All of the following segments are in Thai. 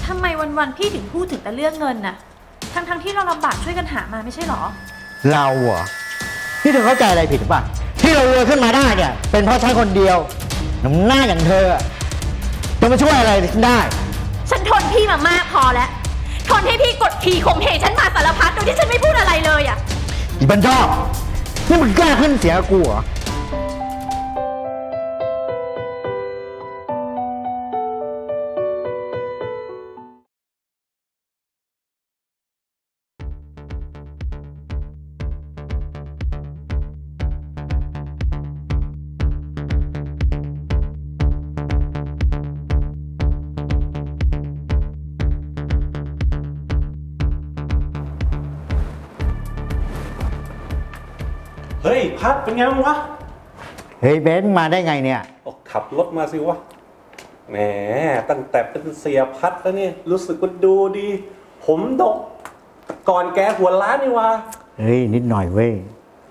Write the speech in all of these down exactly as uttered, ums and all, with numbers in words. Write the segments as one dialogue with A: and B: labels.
A: ทำไมวันๆพี่ถึงพูดถึงแต่เรื่องเงินน่ะทั้งๆที่เราลำบากช่วยกันหามาไม่ใช่หรอ
B: เราเหรอนี่เธอเข้าใจอะไรผิดหรือเปล่าที่เรารวยขึ้นมาได้เนี่ยเป็นเพราะฉันคนเดียวน้ำหน้าอย่างเธอจะมาช่วยอะไรฉันได้
A: ฉันทนพี่มามากพอแล้วทนให้พี่กดขี่ข่มเหงฉันมาสารพัดโดยที่ฉันไม่พูดอะไรเลยอ่ะ
B: อีบันชอบนี่มึงกล้าขึ้นเสียงกับกูเหรอ
C: เฮ้ยพัดเป็นไงวะ
B: เฮ้ยเบนซ์มาได้ไงเนี่ย
C: ขับรถมาสิวะแหมตั้งแต่เป็นเสียพัดแล้วเนี่ยรู้สึกว่าดูดี ผมดกก่อนแกหัวล้านนี่วะ
B: เฮ้ยนิดหน่อยเว้ย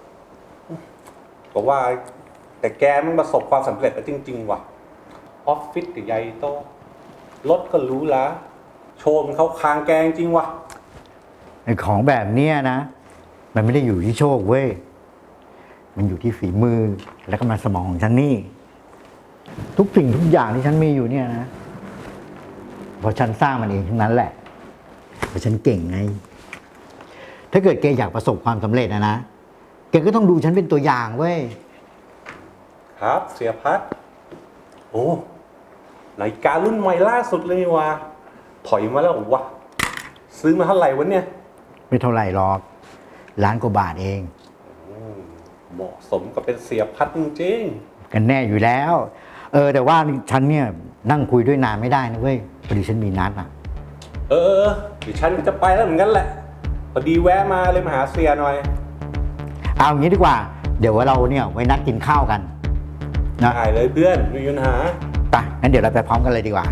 C: ก็ว่าแต่แกมันประสบความสำเร็จแล้วจริงๆว่ะออฟฟิศใหญ่โตรถก็รู้ละโชว์มันเขาคางแกงจริงว่ะ
B: ไอ้ของแบบเนี้ยนะมันไม่ได้อยู่ที่โชคเว้ยมันอยู่ที่ฝีมือและกำลังสมองของฉันนี่ทุกสิ่งทุกอย่างที่ฉันมีอยู่เนี่ยนะเพราะฉันสร้างมันเองทั้งนั้นแหละเพราะฉันเก่งไงถ้าเกิดแกอยากประสบความสำเร็จนะนะแกก็ต้องดูฉันเป็นตัวอย่างเว้ย
C: ครับเสียพัดโอ้นาฬิการุ่นใหม่ล่าสุดเลยว่ะถอยมาแล้ววะซื้อมาเท่าไหร่วะเนี่ย
B: ไม่เท่าไหร่หรอกล้านกว่าบาทเอง
C: เหมาะสมกับเป็นเสียพัดจริง
B: ๆกันแน่อยู่แล้วเออแต่ว่าฉันเนี่ยนั่งคุยด้วยนานไม่ได้นะเว้ยพอดีฉันมีนัดอ่ะ
C: เออเดี๋ยวฉันจะไปแล้วเหมือนกันแหละพอดีแวะมาเลยมาหาเสียหน่อย
B: เอางี้ดีกว่าเดี๋ยวเราเนี่ยไว้นัดกินข้าวกัน
C: นะได้เลยเพื่อนไม่มีปัญหา
B: ไปงั้นเดี๋ยวเราไปพร้อมกันเลยดีกว่า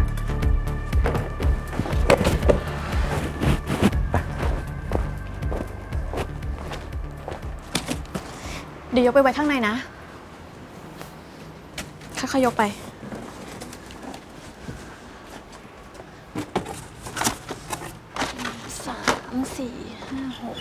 A: เดี๋ยวยกไปไว้ข้างในนะค่อยๆยกไปสามสี่ห้าหก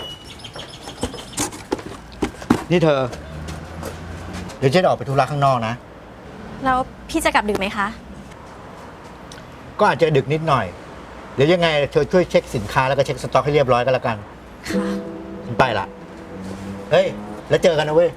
B: นี่เธอเดี๋ยวฉันออกไปธุระข้างนอกนะ
A: แล้วพี่จะกลับดึกไหมคะ
B: ก็อาจจะดึกนิดหน่อยเดี๋ยวยังไงเธอช่วยเช็คสินค้าแล้วก็เช็คสต็อกให้เรียบร้อยก็แล้วกัน
A: ค่ะ
B: ฉันไปละเฮ้ยแล้วเจอกันนะเว้ย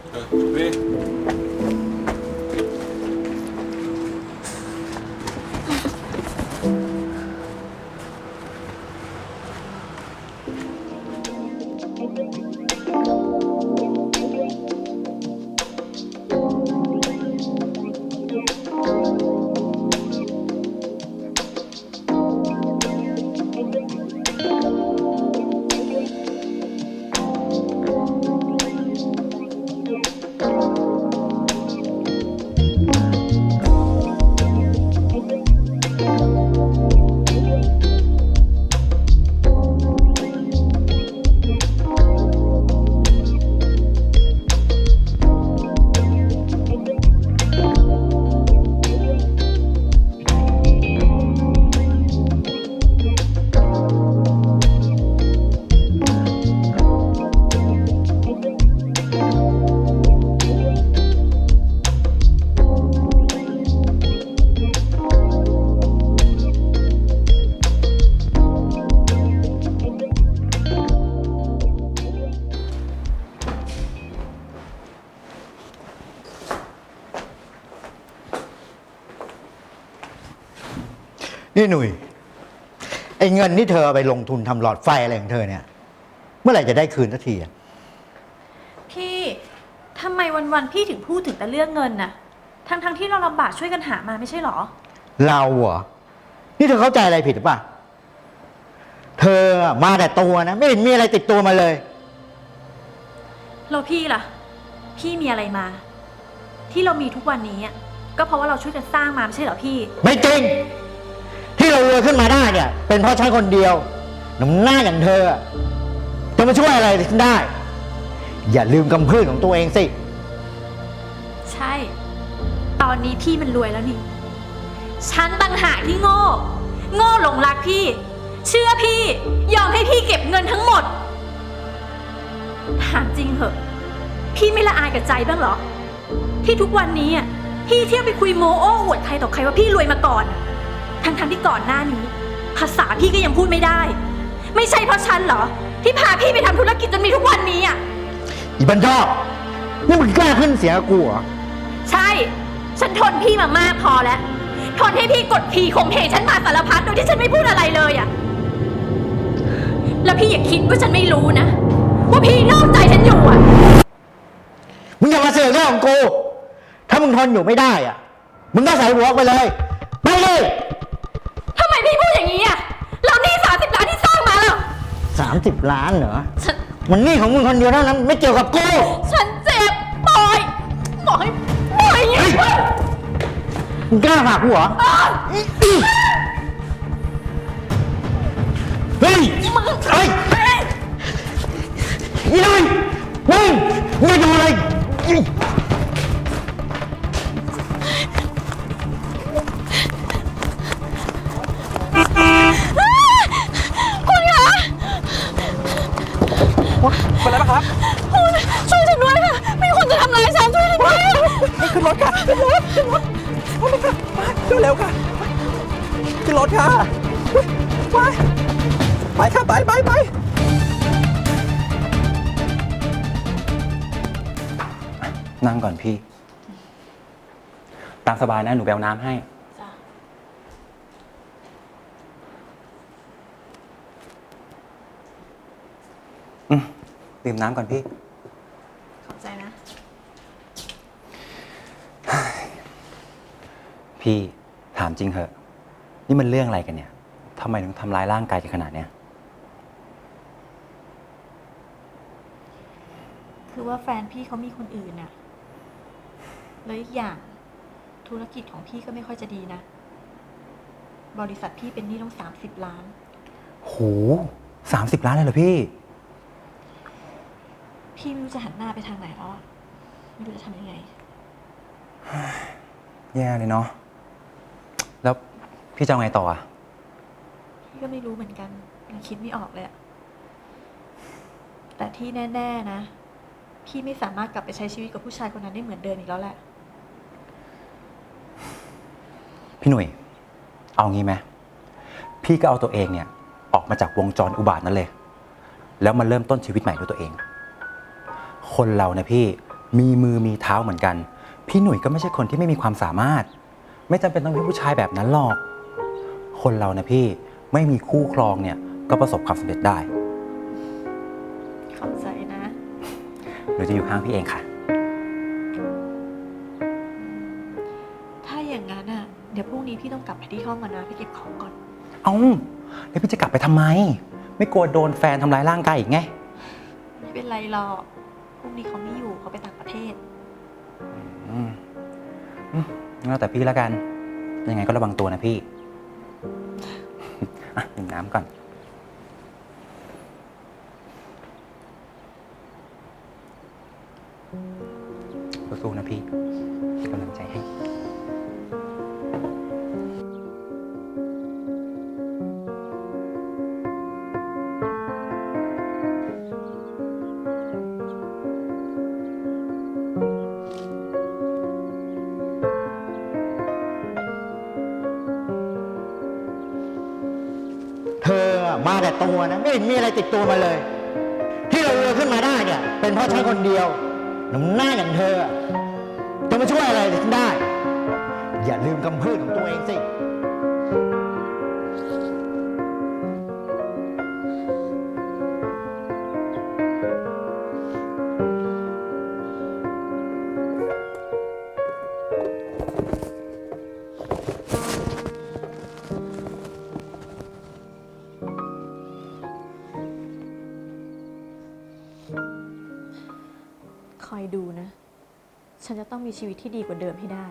B: นี่หนุ่ยไอ้เงินที่เธอไปลงทุนทำหลอดไฟอะไรของเธอเนี่ยเมื่อไหร่จะได้คืนสักทีอ่ะ
A: พี่ทำไมวันๆพี่ถึงพูดถึงแต่เรื่องเงินน่ะทั้งๆที่เราลำบากช่วยกันหามาไม่ใช่หรอ
B: เราเหรอนี่เธอเข้าใจอะไรผิดหรือเปล่าเธอมาแต่ตัวนะไม่เห็นมีอะไรติดตัวมาเลย
A: แล้วพี่ล่ะพี่มีอะไรมาที่เรามีทุกวันนี้ก็เพราะว่าเราช่วยกันสร้างมาไม่ใช่เหรอพี่
B: ไม่จริงที่เรารวยขึ้นมาได้เนี่ยเป็นเพราะฉันคนเดียวน้ำหน้าอย่างเธอจะมาช่วยอะไรฉันได้อย่าลืมกำพืชของตัวเองสิ
A: ใช่ตอนนี้พี่มันรวยแล้วนี่ฉันต่างหากที่โง่โง่หลงรักพี่เชื่อพี่ ยอมให้พี่เก็บเงินทั้งหมด ถามจริงเหอะ พี่ไม่ละอายกับใจบ้างเหรอ ที่ทุกวันนี้อ่ะพี่เที่ยวไปคุยโมโอ้อวดใครต่อใครว่าพี่รวยมาก่อน ทั้งๆที่ก่อนหน้านี้ ภาษาพี่ก็ยังพูดไม่ได้ ไม่ใช่เพราะฉันเหรอ ที่พาพี่ไปทำธุรกิจจนมีทุกวันนี้อ่ะ
B: อีบันชอบนี่มึงกล้าขึ้นเสียงกับกูเหรอ
A: ใช่ ฉันทนพี่มามากพอแล้ว ทนให้พี่กดขี่ข่มเหงฉันมาสารพัดโดยที่ฉันไม่พูดอะไรเลยอะแล้วพี่อย่าคิดว่าฉันไม่รู้นะ ว่าพี่นอกใจฉันอยู่อะ
B: มึงอย่ามาเสือกเรื่องของกู ถ้ามึงทนอยู่ไม่ได้อ่ะ มึงก็ใส่หัวออกไปเลย ไปเลย
A: ทำไมพี่พูดอย่างนี้อะแล้วหนี่สามสิบล้านที่สร้างมาล่ะ
B: สามสิบล้านเหรอ
A: ฉัน
B: มันหนี่ของมึงคนเดียวเท่านั้นไม่เกี่ยวกับกู
A: ฉันเจ็บปล่อยปล่อยปล่อยอย่างนี้
B: มึงกล้าผลักกูเหรอ เฮ้ย
A: มึง
B: เฮ้ยอีนุ่ยมึงมึงจะทำอะไรอี
A: คุณคะ
D: เป็นไรบ้างครับ
A: คุณช่วยฉันด้วยค่ะ มีคนจะทำร้ายฉันช่วยฉันด้วย
D: นี่ขึ้นรถค่ะขึ้นรถขึ้นรถขึ้นรถค่ะมาเร็วๆค่ะขึ้นรถค่ะไปไปค่ะไปไปไปนั่งก่อนพี่ ตามสบายนะหนูแบวน้ำให้ อืมดื่มน้ำก่อนพี่
A: ขอบใจนะ
D: พี่ถามจริงเหอะ นี่มันเรื่องอะไรกันเนี่ยทำไมถึงทำร้ายร่างกายกันขนาดเนี้ย
A: คือว่าแฟนพี่เขามีคนอื่นน่ะ แล้วอีกอย่างธุรกิจของพี่ก็ไม่ค่อยจะดีนะ บริษัทพี่เป็นหนี้ต้องสามสิบล้าน
D: โหสามสิบล้านเลยเหรอพี่
A: พี่ไม่รู้จะหันหน้าไปทางไหนแล้วอะไม่รู้จะทำยังไง
D: แย่เลยเนาะ แล้วพี่จะเอาไงต่ออะ
A: พี่ก็ไม่รู้เหมือนกันยังคิดไม่ออกเลยอะแต่ที่แน่ๆนะ พี่ไม่สามารถกลับไปใช้ชีวิตกับผู้ชายคนนั้นได้เหมือนเดิมอีกแล้วแหละ
D: พี่หนุ่ย เอางี้ไหมพี่ก็เอาตัวเองเนี่ย ออกมาจากวงจรอุบาทนั้นเลย แล้วมาเริ่มต้นชีวิตใหม่ด้วยตัวเอง คนเรานะพี่มีมือมีเท้าเหมือนกัน พี่หนุ่ยก็ไม่ใช่คนที่ไม่มีความสามารถ ไม่จำเป็นต้องเป็นผู้ชายแบบนั้นหรอก คนเรานะพี่ไม่มีคู่ครองเนี่ยก็ประสบความสำเร็จได้
A: ขอบใจนะ
D: หนูจะอยู่ข้างพี่เองค่ะ
A: ถ้าอย่างนั้นอ่ะ เดี๋ยวพรุ่งนี้พี่ต้องกลับไปที่ห้องก่อนนะไปเก็บของก่อน
D: เอ้าแล้วพี่จะกลับไปทำไม ไม่กลัวโดนแฟนทำร้ายร่างกายอีกไง
A: ไม่เป็นไรหรอก พรุ่งนี้เขาไม่อยู่เขาไปต่างประเทศ
D: อืมอืมงั้นแล้วแต่พี่แล้วกัน ยังไงก็ระวังตัวนะพี่ อ่ะดื่มน้ำก่อน สู้ๆนะพี่เป็นกำลังใจให้
B: เธอมาแต่ตัวนะไม่เห็นมีอะไรติดตัวมาเลย ที่เราเรือขึ้นมาได้เนี่ย เป็นเพราะฉันคนเดียวน้ำหน้าอย่างเธอจะมาช่วยอะไรฉันได้ อย่าลืมคำพูดของตัวเองสิ
A: คอยดูนะ ฉันจะต้องมีชีวิตที่ดีกว่าเดิมให้ได้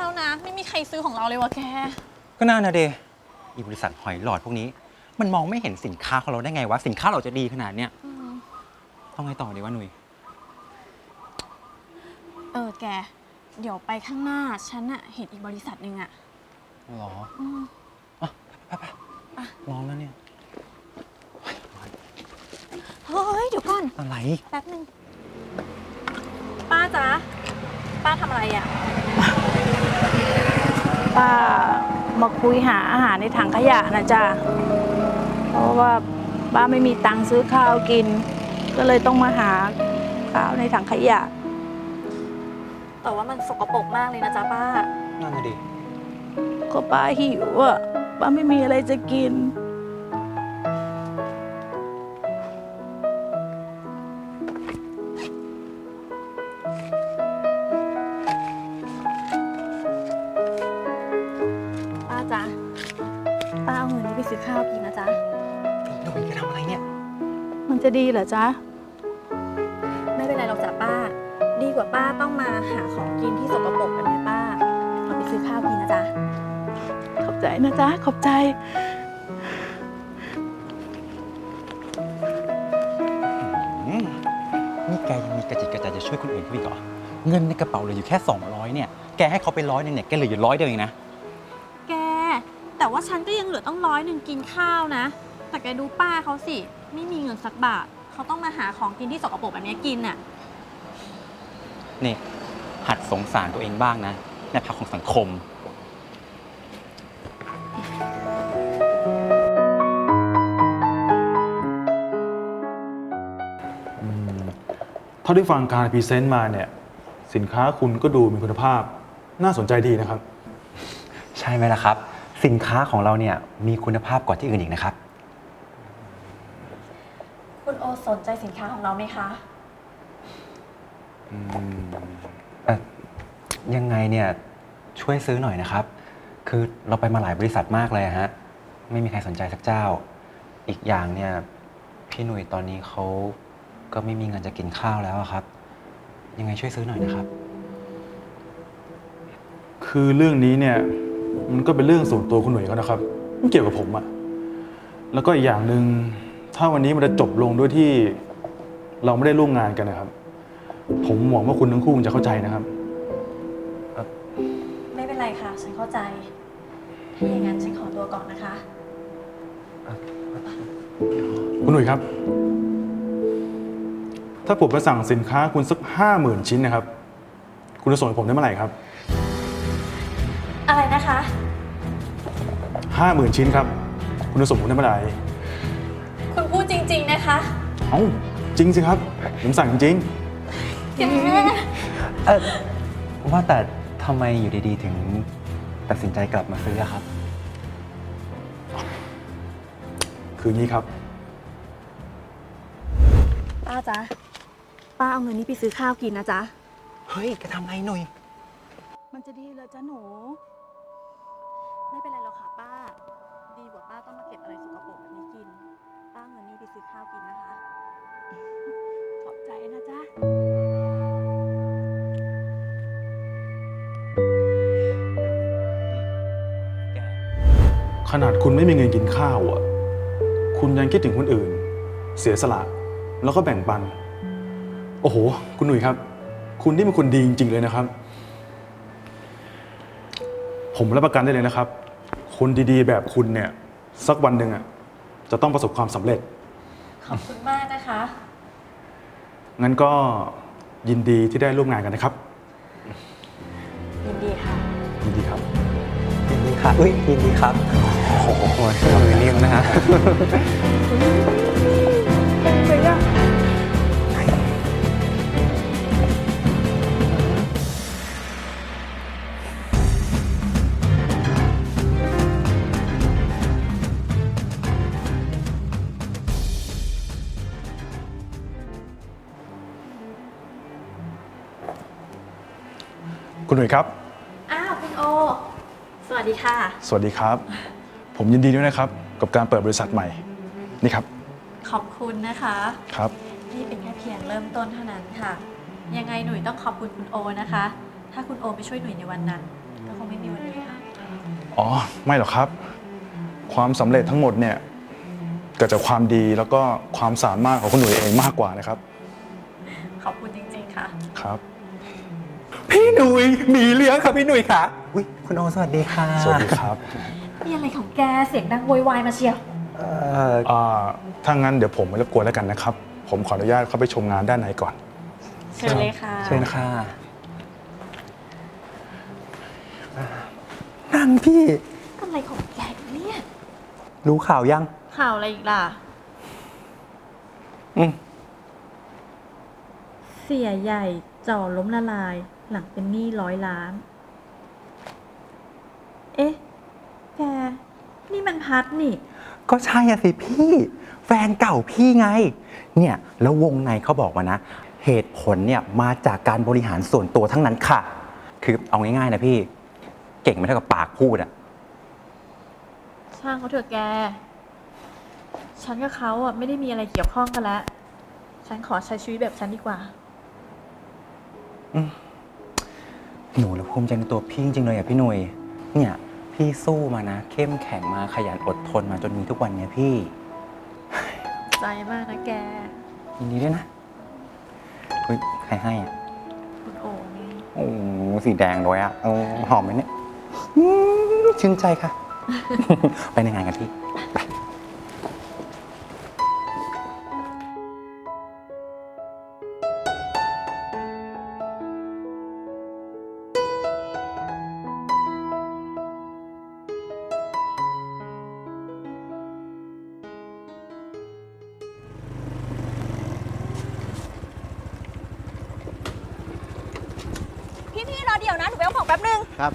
E: แล้วนะ ไม่มีใครซื้อของเราเลยวะแก
D: ก็น่านะเดอีบริษัทหอยหลอดพวกนี้ มันมองไม่เห็นสินค้าของเราได้ไงวะ สินค้าเราจะดีขนาดเนี้ยต้องไงต่อดีวะหนุ่ย
E: เออแก เดี๋ยวไปข้างหน้า ฉันอะเห็นอีกบริษัทหนึ่งอะ
D: หรอ
E: อืม
D: อ่ะไปไปไปลองแล้วเนี่ย
E: เฮ้ย เดี๋ยวก่อน
D: อะไร
E: แป๊บหนึ่งป้าจ๊ะ ป้าทำอะไรอะ
F: ป้ามาคุยหาอาหารในถังขยะนะจ๊ะ เพราะว่าป้าไม่มีตังค์ซื้อข้าวกิน ก็เลยต้องมาหาข้าวในถังขยะ
E: แต่ว่ามันสกปรกมากเลยนะจ๊ะป้า
D: นั่นน่ะดิ
F: ก็ป้าหิวอ่ะ ป้าไม่มีอะไรจะกิน
E: ป้าจ๊ะ ป้าเอาเงินนี้ไปซื้อข้าวกินนะจ๊ะ
D: หนุ่ยจะทำอะไรเนี่ย
F: มันจะดีเหรอจ๊ะ
E: ไม่เป็นไรหรอกจ้ะป้า ดีกว่าป้าต้องมาหาของกินที่สกปรกแบบนี้ป้า เอาไปซื้อข้าวกินนะจ๊ะ
F: ขอบใจนะจ๊ะ ขอบใจ
D: อืมนี่แกยังมีกระจิตกระใจจะช่วยคนอื่นเขาอีกเหรอ เงินในกระเป๋าเหลืออยู่แค่สองร้อยเนี่ย แกให้เขาไปร้อยหนึงเนี่ย แกเหลืออยู่ร้อยเดียวเองนะ
E: แก แต่ว่าฉันก็ยังเหลือต้องร้อยหนึ่งกินข้าวนะ แต่แกดูป้าเขาสิ ไม่มีเงินสักบาท เขาต้องมาหาของกินที่สกปรกแบบนี้กินน่ะ
D: นี่ หัดสงสารตัวเองบ้างนะ ในภาคของสังคม
G: เท่าที่ฟังการพรีเซนต์มาเนี่ยสินค้าคุณก็ดูมีคุณภาพน่าสนใจดีนะครับ
D: ใช่ไหมล่ะครับ สินค้าของเราเนี่ยมีคุณภาพกว่าที่อื่นอีกนะครับ
E: คุณโอสนใจสินค้าของเราไหมคะ
D: เอ่อยังไงเนี่ยช่วยซื้อหน่อยนะครับ คือเราไปมาหลายบริษัทมากเลยอะฮะไม่มีใครสนใจสักเจ้า อีกอย่างเนี่ยพี่หนุ่ยตอนนี้เขาก็ไม่มีเงินจะกินข้าวแล้วอะครับ ยังไงช่วยซื้อหน่อยนะครับ
G: คือเรื่องนี้เนี่ยมันก็เป็นเรื่องส่วนตัวคุณหนุ่ยเขานะครับไม่เกี่ยวกับผมอะแล้วก็อีกอย่างหนึ่งถ้าวันนี้มันจะจบลงด้วยที่เราไม่ได้ร่วมงานกันนะครับ ผมหวังว่าคุณทั้งคู่คงจะเข้าใจนะครับ
E: ไม่เป็นไรค่ะ ฉันเข้าใจ ถ้าอย่างนั้นฉันขอตัวก่อนนะคะ
G: คุณหนุ่ยครับ ถ้าผมจะสั่งสินค้าคุณสักห้าหมื่นชิ้นนะครับ คุณจะส่งให้ผมได้เมื่อไหร่ครับ
E: อะไรนะคะ
G: ห้าหมื่นชิ้นครับ คุณจะส่งผมได้เมื่อไหร่
E: คุณพูดจริง ๆ นะคะ
G: เอ้าจริงสิครับผมสั่งจริง
E: แก
D: เออว่าแต่ทำไมอยู่ดีๆ ถึงตัดสินใจกลับมาซื้ออะครับ
G: ๆคืองี้ครับ
E: ป้าจ๊ะ ป้าเอาเงินนี้ไปซื้อข้าวกินนะจ๊ะ
D: เฮ้ยแกทำอะไรหนุ่ย
F: มันจะดีเหรอจ๊ะหนู
E: ไม่เป็นไรหรอกค่ะป้า ดีกว่าป้าต้องมาเก็บอะไรสกปรกแบบนี้กิน ป้าเอาเงินนี้ไปซื้อข้าวกินนะคะ
F: ขอบใจนะจ๊ะ
D: แก
G: ขนาดคุณไม่มีเงินกินข้าวอ่ะ คุณยังคิดถึงคนอื่น เสียสละ แล้วก็แบ่งปัน โอ้โห คุณหนุ่ยครับ คุณนี่เป็นคนดีจริงๆเลยนะครับ ผมรับประกันได้เลยนะครับ คนดีๆ แบบคุณเนี่ย สักวันหนึ่งอ่ะ จะต้องประสบความสำเร็จ
E: ขอบคุณมากนะคะ
G: งั้นก็ยินดีที่ได้ร่วมงานกันนะครับ
E: ยินดีค่ะ
G: ยินดีครับ
D: ยินดีครับอุ้ยยินดีครับ โอ้โหเอาเลยเรียกนะฮะ
F: ไปอ่ะ
G: คุณหนุ่ยครับ
E: อ้าวคุณโอ สวัสดีค่ะ
G: สวัสดีครับ ผมยินดีด้วยนะครับ กับการเปิดบริษัทใหม่ นี่ครับ
E: ขอบคุณนะคะ
G: ครับ
E: นี่เป็นแค่เพียงเริ่มต้นเท่านั้นค่ะ ยังไงหนุ่ยต้องขอบคุณคุณโอนะคะ ถ้าคุณโอไม่ช่วยหนุ่ยในวันนั้น ก็คง
G: อ๋อ ไม่หรอกครับ ความสำเร็จทั้งหมดเนี่ยเกิดจากความดีแล้วก็ความสามารถของคุณหนุ่ยเองมากกว่านะครับ
E: ขอบคุณจริงๆค่ะ
G: ครับ
D: พี่หนุ่ยมีเรื่องค่ะพี่หนุ่ยค่ะอุ้ยคุณโอสวัสดีค่ะ
G: สวัสดีครับ
A: มีอะไรของแกเสียงดังโวยวายมาเชียว
D: เอ่อ
G: อ่าถ้างั้นเดี๋ยวผมไม่รบกวนแล้วกันนะครับ ผมขออนุญาตเข้าไปชมงานด้านในก่อน
E: เชิญเลยค่ะ
D: เชิญค่ะนั่นพี่
A: อะไรของแกเนี่ย
D: รู้ข่าวยัง
E: ข่าวอะไรอีกล่ะ
D: อืม
A: เสียใหญ่จ่อล้มละลาย หลังเป็นหนี้ร้อยล้าน เอ๊ะ แก นี่มันพัดนี่
D: ก็ใช่อะสิพี่ แฟนเก่าพี่ไง เนี่ย แล้ววงในเขาบอกมานะ เหตุผลเนี่ยมาจากการบริหารส่วนตัวทั้งนั้นค่ะ คือเอาง่ายๆนะพี่ เก่งไม่เท่ากับปากพูดอะ
E: ช่างเขาเถอะแก ฉันกับเขาอ่ะไม่ได้มีอะไรเกี่ยวข้องกันแล้ว ฉันขอใช้ชีวิตแบบฉันดีกว่า
D: หนูแล้วภูมิใจในตัวพี่จริงๆเลยอะพี่หนุ่ยเนี่ยพี่สู้มานะ เข้มแข็งมาขยันอดทนมาจนมีทุกวันเนี้ยพี่
E: ใจมากนะแก
D: ยินดีด้วยนะเฮ้ยใครให้อะ
E: คุณโอ๋ไง
D: โอ้สีแดงด้วยอะโอ้หอมไหมเนี่ยอืมชื่นใจค่ะ ไปในงานกันพี่ไป
E: พี่ๆรอเดี๋ยวนะ หนูไปเอาของแป๊บนึง
B: ครับ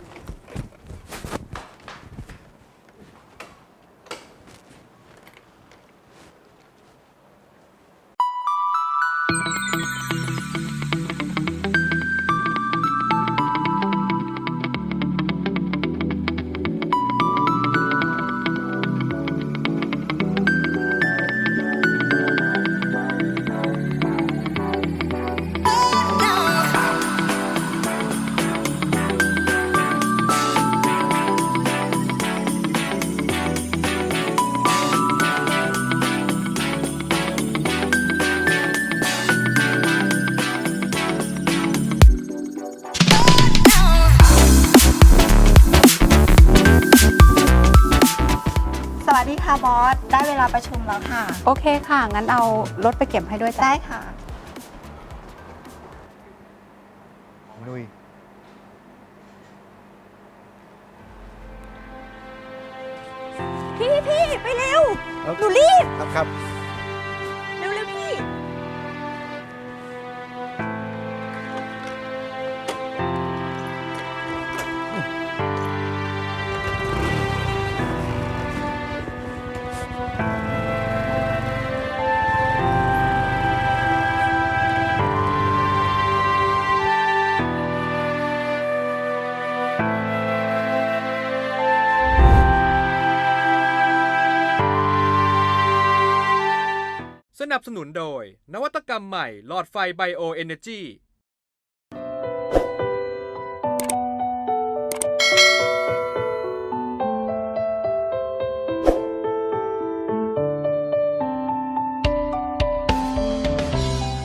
H: สวัสดีค่ะบอส ได้เวลาประชุมแล้วค่ะ
F: โอเคค่ะ งั้นเอารถไปเก็บให้ด้วยจ้ะ
H: ได้ค่ะ
B: นุย
H: พี่พี่ไปเร็ว หนูรีบ
B: ครับครับ
H: เร็วเร็วพี่
I: สนับสนุนโดยนวัตกรรมใหม่หลอดไฟไบโอเอเนจี